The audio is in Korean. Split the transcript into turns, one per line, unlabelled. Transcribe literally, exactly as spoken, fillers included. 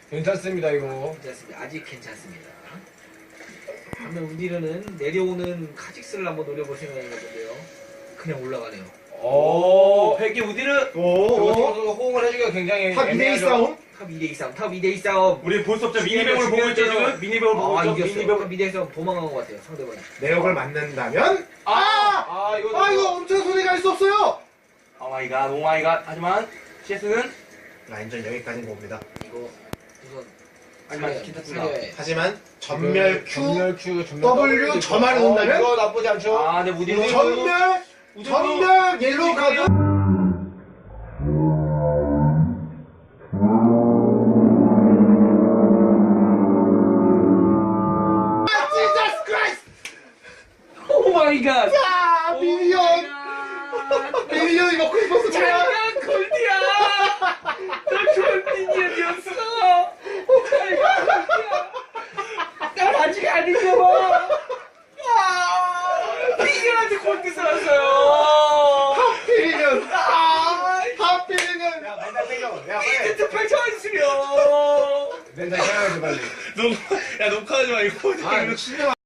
괜찮습니다 이거.
괜찮습니다. 아직 괜찮습니다. 반면 우디르는 내려오는 카직스를 한번 노려볼 생각이었는데요. 그냥 올라가네요.
오.
백기 우디르.
오.
오.
호응을 해주기가 굉장히
탑 이 대 이
애매하죠.
싸움?
탑 이 대 이 싸움, 탑 이 대 이 싸움.
우리 볼 수 없죠. 미니맵을 보고 있죠 지금. 미니맵을 보고
아,
있죠.
이겼어요.
미니맵을.
탑 이 대 이 싸움 도망간 것 같아요, 상대방이.
내역을 맞는다면 아!
아 이거.
아 이거 엄청 손이 갈 수 없어요.
오 마이 갓, 오 마이 갓. 하지만 씨에스는
라인전 여기까지인 겁니다.
이거 우선
하지만
살려야-
괜찮습니다.
살려야
하지만 전멸 Q,
전멸 Q, 전멸
W
W도
저만
있고.
넣는다면?
어, 이거 나쁘지 않죠.
아, 네 우디르.
전멸 전멸 옐로우 카드. 아, 지저스 크라이스트!
오 마이 갓.
아, 미니언! 미니언이 먹고 싶었어, 뭐야?
자기가 골디야. 너 좋은 미니언이었어. 난 아직 아닌가 봐. 아, 미니언한테 골디 살았어요.
하필이면!
아,
하필이면!
야 맨날 땡겨. 야 빨리.
이제트 팔천 수려.
맨날 해야지 빨리.
녹, 야 녹화하지 마 이거.
아, 이거 진짜